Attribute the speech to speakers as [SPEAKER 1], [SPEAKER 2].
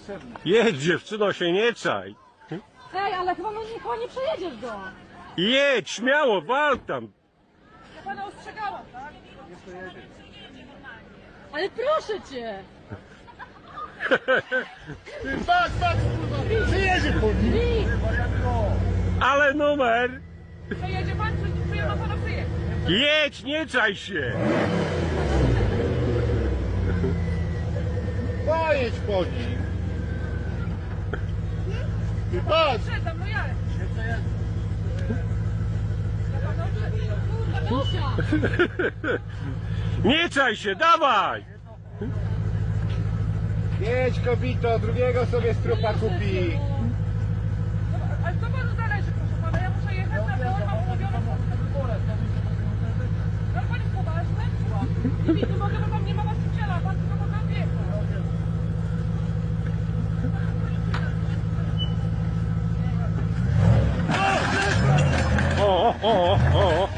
[SPEAKER 1] niepotrzebny.
[SPEAKER 2] Jedź, dziewczyno, się nie czaj.
[SPEAKER 3] Ej, ale chyba nie przejedziesz go.
[SPEAKER 2] Jedź, śmiało, wal tam.
[SPEAKER 3] Ja pana ostrzegałam, tak?
[SPEAKER 1] Nie pojedzie.
[SPEAKER 3] Ale proszę cię.
[SPEAKER 1] Ty patrz, kurwa! Przyjedzie po nim!
[SPEAKER 3] Wi,
[SPEAKER 2] Ale numer.
[SPEAKER 3] przejedzie pan, czy ja mam pana przyjechać?
[SPEAKER 2] Jedź, nie czaj się.
[SPEAKER 1] Pojedź po nim! Ty patrz!
[SPEAKER 3] Przedam, no ja. Kurwa, Dosia.
[SPEAKER 2] Nie czaj się, dawaj.
[SPEAKER 1] Jedź kobito, drugiego sobie strupa kupi!
[SPEAKER 3] Ale co panu zależy, proszę pana? Ja muszę jechać na tor, mam umówione no pan jest poważny? Nie widzę, mogę, bo tam nie ma właściciela, pan tylko mogę wjechać.
[SPEAKER 2] O, o, o, o.